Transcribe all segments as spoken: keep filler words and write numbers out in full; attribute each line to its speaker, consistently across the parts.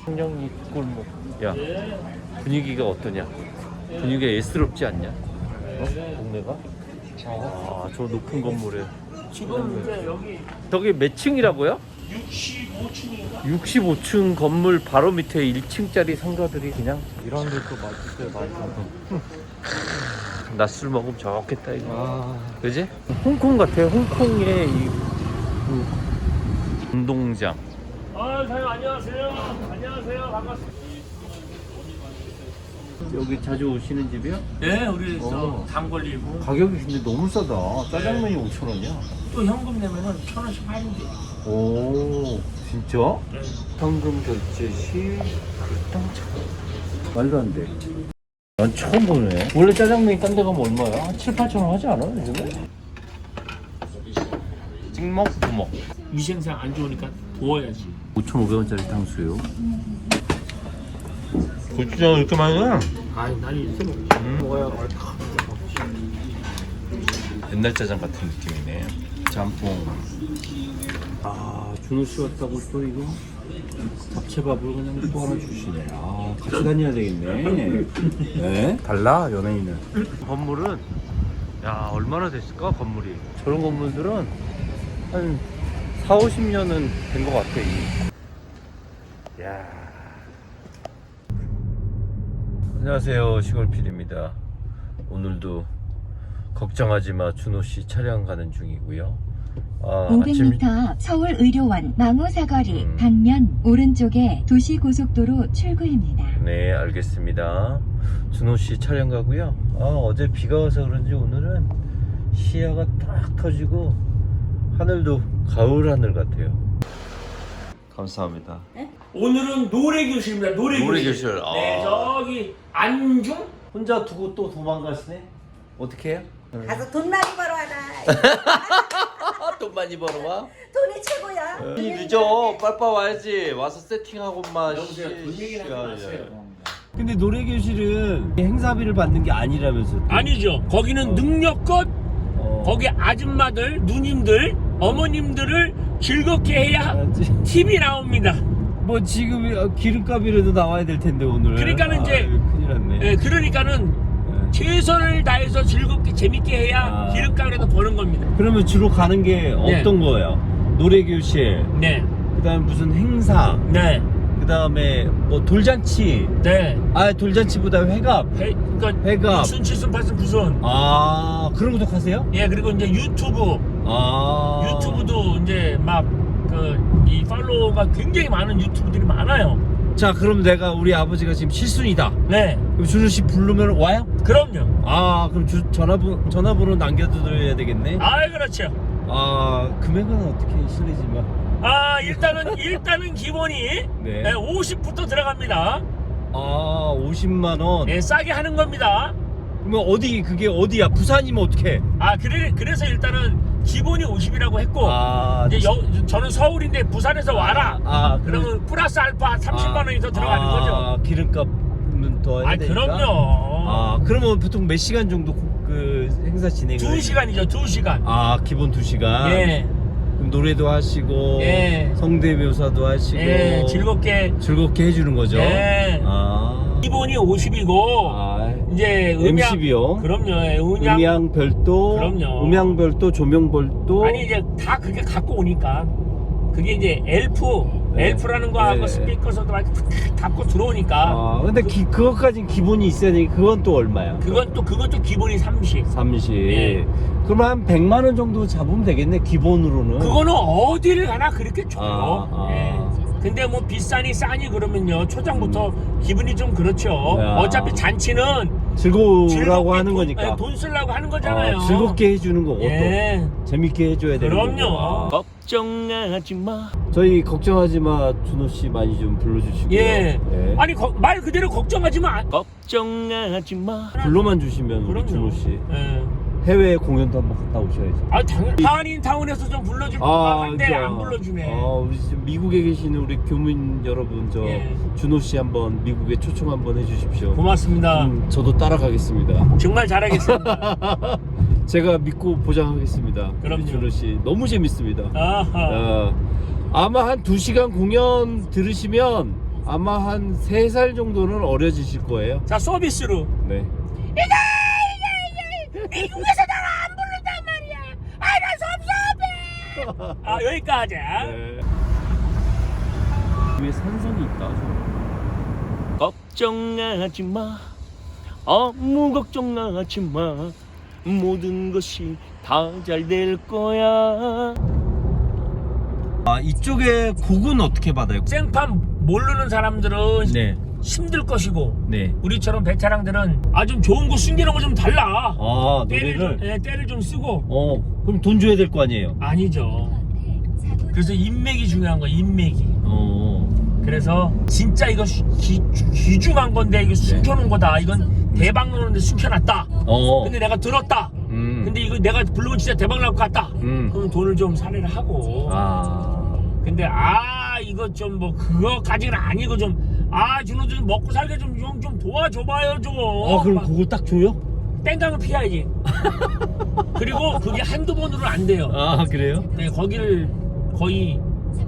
Speaker 1: 청량리 골목. 야, 분위기가 어떠냐? 분위기가 예스럽지 않냐? 어? 동네가? 아, 저 높은 건물에.
Speaker 2: 지금 이제 여기
Speaker 1: 저기 몇 층이라고요?
Speaker 2: 육십오 층인가?
Speaker 1: 육십오 층 건물 바로 밑에 일 층짜리 상가들이 그냥 이런 데또 맛있어요. 많이 가서. 낮술 먹으면 좋겠다 이거. 아, 그지? 홍콩 같아. 홍콩의 이 그, 운동장.
Speaker 2: 아, 사장님 안녕하세요. 안녕하세요. 반갑습니다.
Speaker 1: 여기 자주 오시는 집이요?
Speaker 2: 네, 우리
Speaker 1: 어.
Speaker 2: 저당 걸리고
Speaker 1: 가격이 근데 너무 싸다. 짜장면이 오천 원이야.
Speaker 2: 또 현금 내면은 천 원씩 할인돼.
Speaker 1: 오, 진짜?
Speaker 2: 네.
Speaker 1: 현금 결제 시 일당 천 원. 말도 안 돼. 난 처음 보네. 원래 짜장면이 딴 데 가면 얼마야? 한 칠, 팔천 원 하지 않아? 요즘에? 찍먹, 부먹.
Speaker 2: 위생상 안 좋으니까 부어야지.
Speaker 1: 오천오백 원짜리 탕수요. 고추장 이렇게 많이 나?
Speaker 2: 아이, 난 이렇게 먹지.
Speaker 1: 음.
Speaker 2: 먹어야 얼마.
Speaker 1: 옛날 짜장 같은 느낌이네. 짬뽕. 아, 준호 씨 왔다고 또 이거 잡채밥을 그냥 또 하나 주시네. 아, 같이 다녀야 되겠네. 네? 달라, 연예인은. 건물은, 야, 얼마나 됐을까, 건물이. 저런 건물들은 한 사오십 년은 된 것 같아, 이게. 야. 안녕하세요, 시골필입니다. 오늘도 걱정하지마 준호씨 차량 가는 중이고요. 아,
Speaker 3: 오백 미터 서울의료원 망우사거리
Speaker 1: 음.
Speaker 3: 방면 오른쪽에 도시고속도로 출구입니다.
Speaker 1: 네, 알겠습니다. 준호씨 차량 가고요. 아, 어제 비가 와서 그런지 오늘은 시야가 딱 터지고 하늘도 가을 하늘 같아요. 감사합니다.
Speaker 2: 오늘은 노래 교실입니다. 노래,
Speaker 1: 노래
Speaker 2: 교실.
Speaker 1: 교실. 아.
Speaker 2: 네, 저기 안중?
Speaker 1: 혼자 두고 또 도망가시네? 어떻게 해요?
Speaker 4: 가서 돈 많이 벌어와라.
Speaker 1: 돈 많이 벌어와?
Speaker 4: 돈이 최고야.
Speaker 1: 이 늦어. 빨빨 와야지. 와서 세팅하고만.
Speaker 2: 여보세요. 돈 얘기는 하지 마세요.
Speaker 1: 근데 노래교실은 행사비를 받는 게 아니라면서.
Speaker 2: 아니죠. 거기는 능력껏
Speaker 1: 어.
Speaker 2: 거기 아줌마들, 누님들, 어머님들을 즐겁게 해야
Speaker 1: 알았지?
Speaker 2: 팁이 나옵니다.
Speaker 1: 뭐 지금 기름값이라도 나와야 될 텐데 오늘.
Speaker 2: 그러니까는 이제
Speaker 1: 아유, 큰일 났네.
Speaker 2: 예, 그러니까는
Speaker 1: 네.
Speaker 2: 최선을 다해서 즐겁게 재밌게 해야
Speaker 1: 아.
Speaker 2: 기름값이라도 버는 겁니다.
Speaker 1: 그러면 주로 가는 게 어떤 거예요? 노래교실,
Speaker 2: 네,
Speaker 1: 그다음에 무슨 행사,
Speaker 2: 네,
Speaker 1: 그다음에 뭐 돌잔치.
Speaker 2: 네.
Speaker 1: 아, 돌잔치보다 회갑.
Speaker 2: 회, 그러니까
Speaker 1: 회갑.
Speaker 2: 육순, 칠순, 팔순, 구순.
Speaker 1: 아, 그런 것도 하세요?
Speaker 2: 예, 그리고 이제 유튜브,
Speaker 1: 아.
Speaker 2: 유튜브도 이제 막 그 이 팔로워가 굉장히 많은 유튜브들이 많아요.
Speaker 1: 자, 그럼 내가 우리 아버지가 지금 칠순이다.
Speaker 2: 네,
Speaker 1: 그럼 준호 씨 부르면 와요?
Speaker 2: 그럼요.
Speaker 1: 아, 그럼 주, 전화번 전화번호 남겨드려야 되겠네.
Speaker 2: 아, 그렇죠.
Speaker 1: 아, 금액은 어떻게 실례지만.
Speaker 2: 아, 일단은 일단은 기본이
Speaker 1: 네.
Speaker 2: 네, 오십부터 들어갑니다.
Speaker 1: 아, 오십만 원.
Speaker 2: 네, 싸게 하는 겁니다.
Speaker 1: 그러면 어디 그게 어디야? 부산이면 어떻게?
Speaker 2: 아, 그래 그래서 일단은 기본이 오십이라고 했고
Speaker 1: 아,
Speaker 2: 이제 여, 저는 서울인데 부산에서 와라.
Speaker 1: 아, 그럼
Speaker 2: 그러면 플러스 알파 삼십만 원이 더 들어가는
Speaker 1: 아,
Speaker 2: 거죠.
Speaker 1: 기름값은 더 해야
Speaker 2: 아,
Speaker 1: 되니까.
Speaker 2: 그럼요.
Speaker 1: 아, 그러면 보통 몇 시간 정도 그 행사 진행을?
Speaker 2: 두 시간이죠, 두 시간.
Speaker 1: 아, 기본 두 시간.
Speaker 2: 예,
Speaker 1: 그럼 노래도 하시고
Speaker 2: 예.
Speaker 1: 성대묘사도 하시고
Speaker 2: 예, 즐겁게.
Speaker 1: 즐겁게 해주는 거죠.
Speaker 2: 예.
Speaker 1: 아,
Speaker 2: 기본이 오십이고
Speaker 1: 아,
Speaker 2: 이제 음향,
Speaker 1: 엠씨비요.
Speaker 2: 그럼요. 예, 음향,
Speaker 1: 음향 별도,
Speaker 2: 그럼요.
Speaker 1: 음향 별도, 조명 별도.
Speaker 2: 아니 이제 다 그게 갖고 오니까 그게 이제 엘프,
Speaker 1: 네.
Speaker 2: 엘프라는 거하고
Speaker 1: 네.
Speaker 2: 스피커서도 막 갖고 들어오니까.
Speaker 1: 아, 근데 기, 그것까진 기본이 있어야 되니 그건 또 얼마야?
Speaker 2: 그건 또 그것도 기본이 삼십.
Speaker 1: 삼십.
Speaker 2: 예.
Speaker 1: 그럼 한 백만 원 정도 잡으면 되겠네, 기본으로는.
Speaker 2: 그거는 어디를 가나 그렇게 줘요.
Speaker 1: 아, 아.
Speaker 2: 예. 근데 뭐 비싸니 싸니 그러면요 초장부터 기분이 좀 그렇죠.
Speaker 1: 야.
Speaker 2: 어차피 잔치는
Speaker 1: 즐거우라고
Speaker 2: 즐겁게
Speaker 1: 하는
Speaker 2: 돈,
Speaker 1: 거니까.
Speaker 2: 예, 돈 쓰려고 하는 거잖아요.
Speaker 1: 아, 즐겁게 해주는 거고
Speaker 2: 예.
Speaker 1: 또 재밌게 해줘야 되는 거고.
Speaker 2: 그럼요.
Speaker 1: 아.
Speaker 2: 걱정하지 마.
Speaker 1: 저희 걱정하지 마 준호 씨 많이 좀 불러주시고요.
Speaker 2: 예.
Speaker 1: 네.
Speaker 2: 아니 거, 말 그대로 걱정하지 마. 걱정하지 마.
Speaker 1: 불러만 주시면 우리 준호 씨
Speaker 2: 예.
Speaker 1: 해외 공연도 한번 갔다 오셔야죠.
Speaker 2: 아 당연. 한인 타운에서 좀 불러줄
Speaker 1: 아,
Speaker 2: 건데
Speaker 1: 진짜.
Speaker 2: 안 불러주네.
Speaker 1: 아, 우리 지금 미국에 계시는 우리 교민 여러분, 저
Speaker 2: 예.
Speaker 1: 준호 씨 한번 미국에 초청 한번 해주십시오.
Speaker 2: 고맙습니다.
Speaker 1: 음, 저도 따라가겠습니다.
Speaker 2: 정말 잘하겠습니다.
Speaker 1: 제가 믿고 보장하겠습니다.
Speaker 2: 그럼요.
Speaker 1: 우리 준호 씨 너무 재밌습니다.
Speaker 2: 아하.
Speaker 1: 어, 아마 한 두 시간 공연 들으시면 아마 한 세 살 정도는 어려지실 거예요.
Speaker 2: 자, 서비스로.
Speaker 1: 네.
Speaker 2: 미국에서 나를 안 부른단 말이야. 아, 나 섭섭해. 아, 여기까지.
Speaker 1: 네. 위에 산성이 있다.
Speaker 2: 걱정하지 마. 아무 걱정하지 마. 모든 것이 다 잘 될 거야.
Speaker 1: 아, 이쪽에 곡은 어떻게 받아요?
Speaker 2: 생판 모르는 사람들은
Speaker 1: 네.
Speaker 2: 힘들 것이고
Speaker 1: 네.
Speaker 2: 우리처럼 베테랑들은 아 좀 좋은 거 숨기는 거 좀 달라.
Speaker 1: 아,
Speaker 2: 때를 좀,
Speaker 1: 노래를.
Speaker 2: 예, 때를 좀 쓰고.
Speaker 1: 어, 그럼 돈 줘야 될 거 아니에요?
Speaker 2: 아니죠. 그래서 인맥이 중요한 거야. 인맥이.
Speaker 1: 어.
Speaker 2: 그래서 진짜 이거 수- 기, 귀중한 건데 이거 숨겨놓은 거다. 이건 대박 나는데 숨겨놨다.
Speaker 1: 어.
Speaker 2: 근데 내가 들었다.
Speaker 1: 음.
Speaker 2: 근데 이거 내가 부르면 진짜 대박 날 것 같다.
Speaker 1: 음.
Speaker 2: 그럼 돈을 좀 살해를 하고.
Speaker 1: 아.
Speaker 2: 근데 아 이거 좀 뭐 그거까지는 아니고 좀 아 준호 좀 먹고 살게 좀 좀 좀 도와줘봐요 좀.
Speaker 1: 어, 그럼
Speaker 2: 막
Speaker 1: 그걸 딱 줘요?
Speaker 2: 땡깡을 피해야지. 그리고 그게 한두 번으로는 안 돼요.
Speaker 1: 아, 그래요?
Speaker 2: 네, 거기를 거의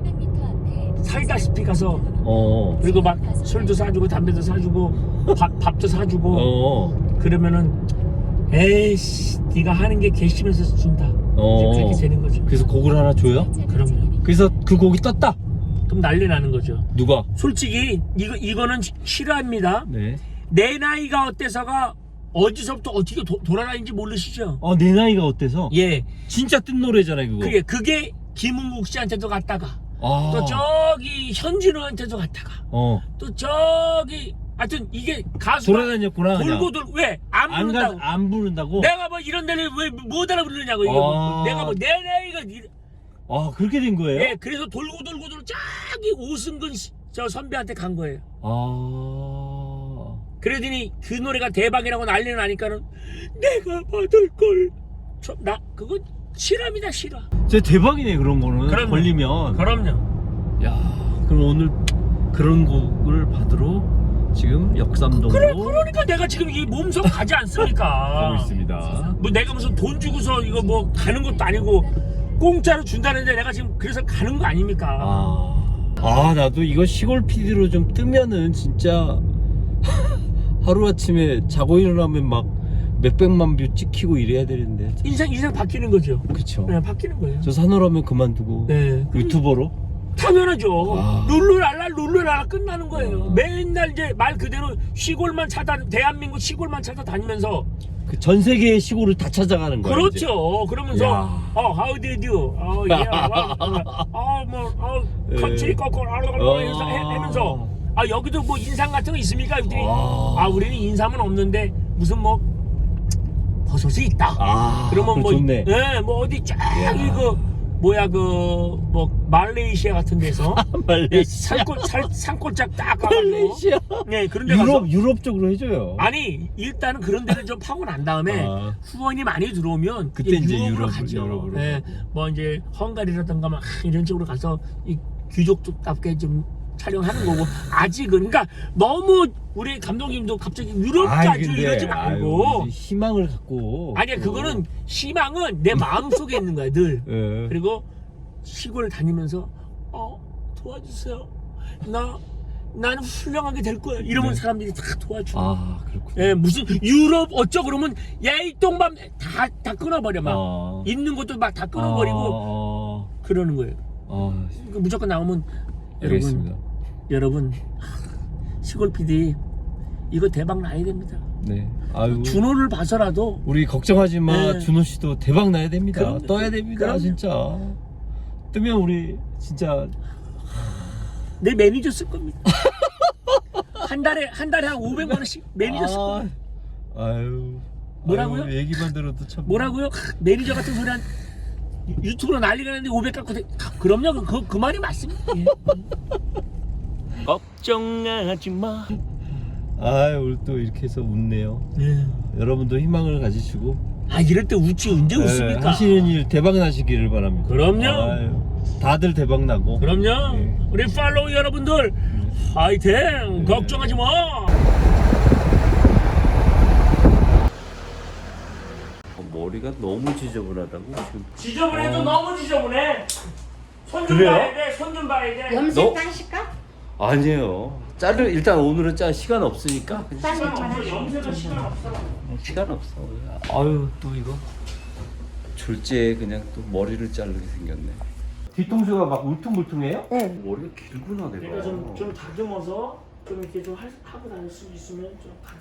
Speaker 2: 살다시피 가서
Speaker 1: 어.
Speaker 2: 그리고 막 술도 사주고 담배도 사주고 밥, 밥도 사주고
Speaker 1: 어.
Speaker 2: 그러면은 에이씨 네가 하는 게 괘씸해서 준다.
Speaker 1: 어.
Speaker 2: 이제 그렇게 되는 거죠.
Speaker 1: 그래서 곡을 하나 줘요?
Speaker 2: 그럼요.
Speaker 1: 그래서 그 곡이 떴다.
Speaker 2: 그럼 난리 나는 거죠.
Speaker 1: 누가?
Speaker 2: 솔직히 이거 이거는 시- 실화입니다.
Speaker 1: 네.
Speaker 2: 내 나이가 어때서가 어디서부터 어떻게 도, 돌아다니는지 모르시죠?
Speaker 1: 어, 내 나이가 어때서?
Speaker 2: 예,
Speaker 1: 진짜 뜬 노래잖아요, 그거.
Speaker 2: 그게 그게 김은국 씨한테도 갔다가
Speaker 1: 아.
Speaker 2: 또 저기 현진우한테도 갔다가
Speaker 1: 어.
Speaker 2: 또 저기 하여튼 이게 가수가
Speaker 1: 돌아다녔구나. 그냥.
Speaker 2: 돌고 돌고 왜안
Speaker 1: 안
Speaker 2: 부른다고?
Speaker 1: 가, 안 부른다고?
Speaker 2: 내가 뭐 이런 데를 왜 못 알아부르냐고 이거
Speaker 1: 아.
Speaker 2: 내가 뭐 내 나이가 이-
Speaker 1: 아, 그렇게 된 거예요?
Speaker 2: 예, 그래서 돌고 돌고 돌고 저기 오승근 씨- 저 선배한테 간 거예요.
Speaker 1: 아.
Speaker 2: 그러더니 그 노래가 대박이라고 난리는 나니까는 내가 받을 걸. 저, 나 그거 실화입니다 실화.
Speaker 1: 진짜 대박이네, 그런 거는.
Speaker 2: 그럼요.
Speaker 1: 걸리면.
Speaker 2: 그럼요.
Speaker 1: 야, 그럼 오늘 그런 곡을 받으러 지금 역삼동으로
Speaker 2: 그래 그러니까 내가 지금 이 몸속 가지 않습니까?
Speaker 1: 가고 있습니다.
Speaker 2: 뭐 내가 무슨 돈 주고서 이거 뭐 가는 것도 아니고 공짜로 준다는데 내가 지금 그래서 가는 거 아닙니까?
Speaker 1: 아, 아 나도 이거 시골 피디로 좀 뜨면은 진짜 하루아침에 자고 일어나면 막 몇백만 뷰 찍히고 이래야 되는데.
Speaker 2: 인생 인생 바뀌는 거죠.
Speaker 1: 그쵸.
Speaker 2: 네, 바뀌는 거예요.
Speaker 1: 저 산호라면 그만두고
Speaker 2: 네.
Speaker 1: 유튜버로.
Speaker 2: 당연하죠.
Speaker 1: 아.
Speaker 2: 룰루랄라 룰루랄라 끝나는 거예요.
Speaker 1: 아.
Speaker 2: 맨날 이제 말 그대로 시골만 찾아 대한민국 시골만 찾아다니면서
Speaker 1: 그 전 세계의 시골을 다 찾아가는 거야. 이제.
Speaker 2: 그렇죠. 그러면서
Speaker 1: 야.
Speaker 2: 어 how did you? 어 예. 어뭐어 컨트리
Speaker 1: 예.
Speaker 2: 거꾸로
Speaker 1: 어.
Speaker 2: 하면서 하면서 아 여기도 뭐 인상 같은 거 있습니까? 이들이
Speaker 1: 아.
Speaker 2: 아 우리는 인삼은 없는데 무슨 뭐 버섯이 있다.
Speaker 1: 아,
Speaker 2: 그러면
Speaker 1: 그거
Speaker 2: 뭐
Speaker 1: 좋네.
Speaker 2: 예, 뭐 어디 쫙
Speaker 1: 야.
Speaker 2: 이거 뭐야 그 뭐 말레이시아 같은 데서
Speaker 1: 말레이시아.
Speaker 2: 산골 살, 산골짝 딱 가가지고
Speaker 1: 말레이시아.
Speaker 2: 네 그런 데 가서
Speaker 1: 유럽 유럽 쪽으로 해줘요.
Speaker 2: 아니 일단은 그런 데를 좀 파고 난 다음에
Speaker 1: 아.
Speaker 2: 후원이 많이 들어오면
Speaker 1: 그때 이제
Speaker 2: 유럽으로
Speaker 1: 유럽,
Speaker 2: 가죠.
Speaker 1: 유럽으로
Speaker 2: 네, 뭐 이제 헝가리라든가 막 이런 쪽으로 가서 이 귀족답게 좀 촬영하는 거고 아직은 그러니까 너무 우리 감독님도 갑자기 유럽까지 이러지 말고
Speaker 1: 아유, 희망을 갖고.
Speaker 2: 아니야 그거는 희망은 내 마음 속에 있는 거야 늘.
Speaker 1: 예.
Speaker 2: 그리고 시골 다니면서 어 도와주세요. 나 나는 훌륭하게 될 거야. 이러면
Speaker 1: 네.
Speaker 2: 사람들이 다 도와줘.
Speaker 1: 아, 그렇군요.
Speaker 2: 예, 무슨 유럽 어쩌 그러면 야이 똥밤 다다 끊어버려 막
Speaker 1: 아.
Speaker 2: 있는 것도 막 다 끊어버리고
Speaker 1: 아,
Speaker 2: 그러는 거예요.
Speaker 1: 아,
Speaker 2: 그 무조건 나오면
Speaker 1: 알겠습니다.
Speaker 2: 여러분 시골 피디 이거 대박 나야 됩니다.
Speaker 1: 네. 아유.
Speaker 2: 준호를 봐서라도
Speaker 1: 우리 걱정하지 마.
Speaker 2: 네.
Speaker 1: 준호 씨도 대박 나야 됩니다.
Speaker 2: 그럼요.
Speaker 1: 떠야 됩니다.
Speaker 2: 그럼요.
Speaker 1: 진짜. 뜨면 우리 진짜
Speaker 2: 내 매니저 쓸 겁니다. 한 달에 한 달에 한 오백만 원씩 매니저 쓸 겁니다.
Speaker 1: 아, 아유.
Speaker 2: 뭐라고요?
Speaker 1: 아유, 얘기만 들어도 참.
Speaker 2: 뭐라고요? 매니저 같은 소리 한 유튜브로 난리가 났는데 오백 갖고 대... 그럼요. 그, 그 말이 맞습니다. 예. 걱정하지 마.
Speaker 1: 아, 오늘 또 이렇게 해서 웃네요.
Speaker 2: 예.
Speaker 1: 여러분도 희망을 가지시고
Speaker 2: 아 이럴 때 웃지 언제
Speaker 1: 네,
Speaker 2: 웃습니까?
Speaker 1: 하시는 일 대박 나시기를 바랍니다.
Speaker 2: 그럼요.
Speaker 1: 아유, 다들 대박 나고.
Speaker 2: 그럼요.
Speaker 1: 네.
Speaker 2: 우리 팔로우 여러분들 화이팅. 걱정하지 마.
Speaker 1: 머리가 너무 지저분하다고 지금.
Speaker 2: 지저분해도 너무 지저분해. 손 좀
Speaker 1: 그래요?
Speaker 2: 봐야 돼. 손 좀 봐야 돼.
Speaker 4: 염색
Speaker 1: 너-
Speaker 4: 하실까?
Speaker 1: 아니에요. 자르 일단 오늘은 짜 시간 없으니까 그냥
Speaker 2: 시간 없어. 염색은 시간 없어.
Speaker 1: 시간 없어. 아유 또 이거 졸지에 그냥 또 머리를 자르게 생겼네. 뒤통수가 막 울퉁불퉁해요?
Speaker 4: 네.
Speaker 1: 머리가 길구나 내가.
Speaker 2: 내가 좀 좀 다듬어서 좀 이렇게 좀 할- 하고 다닐 수 있으면 좀.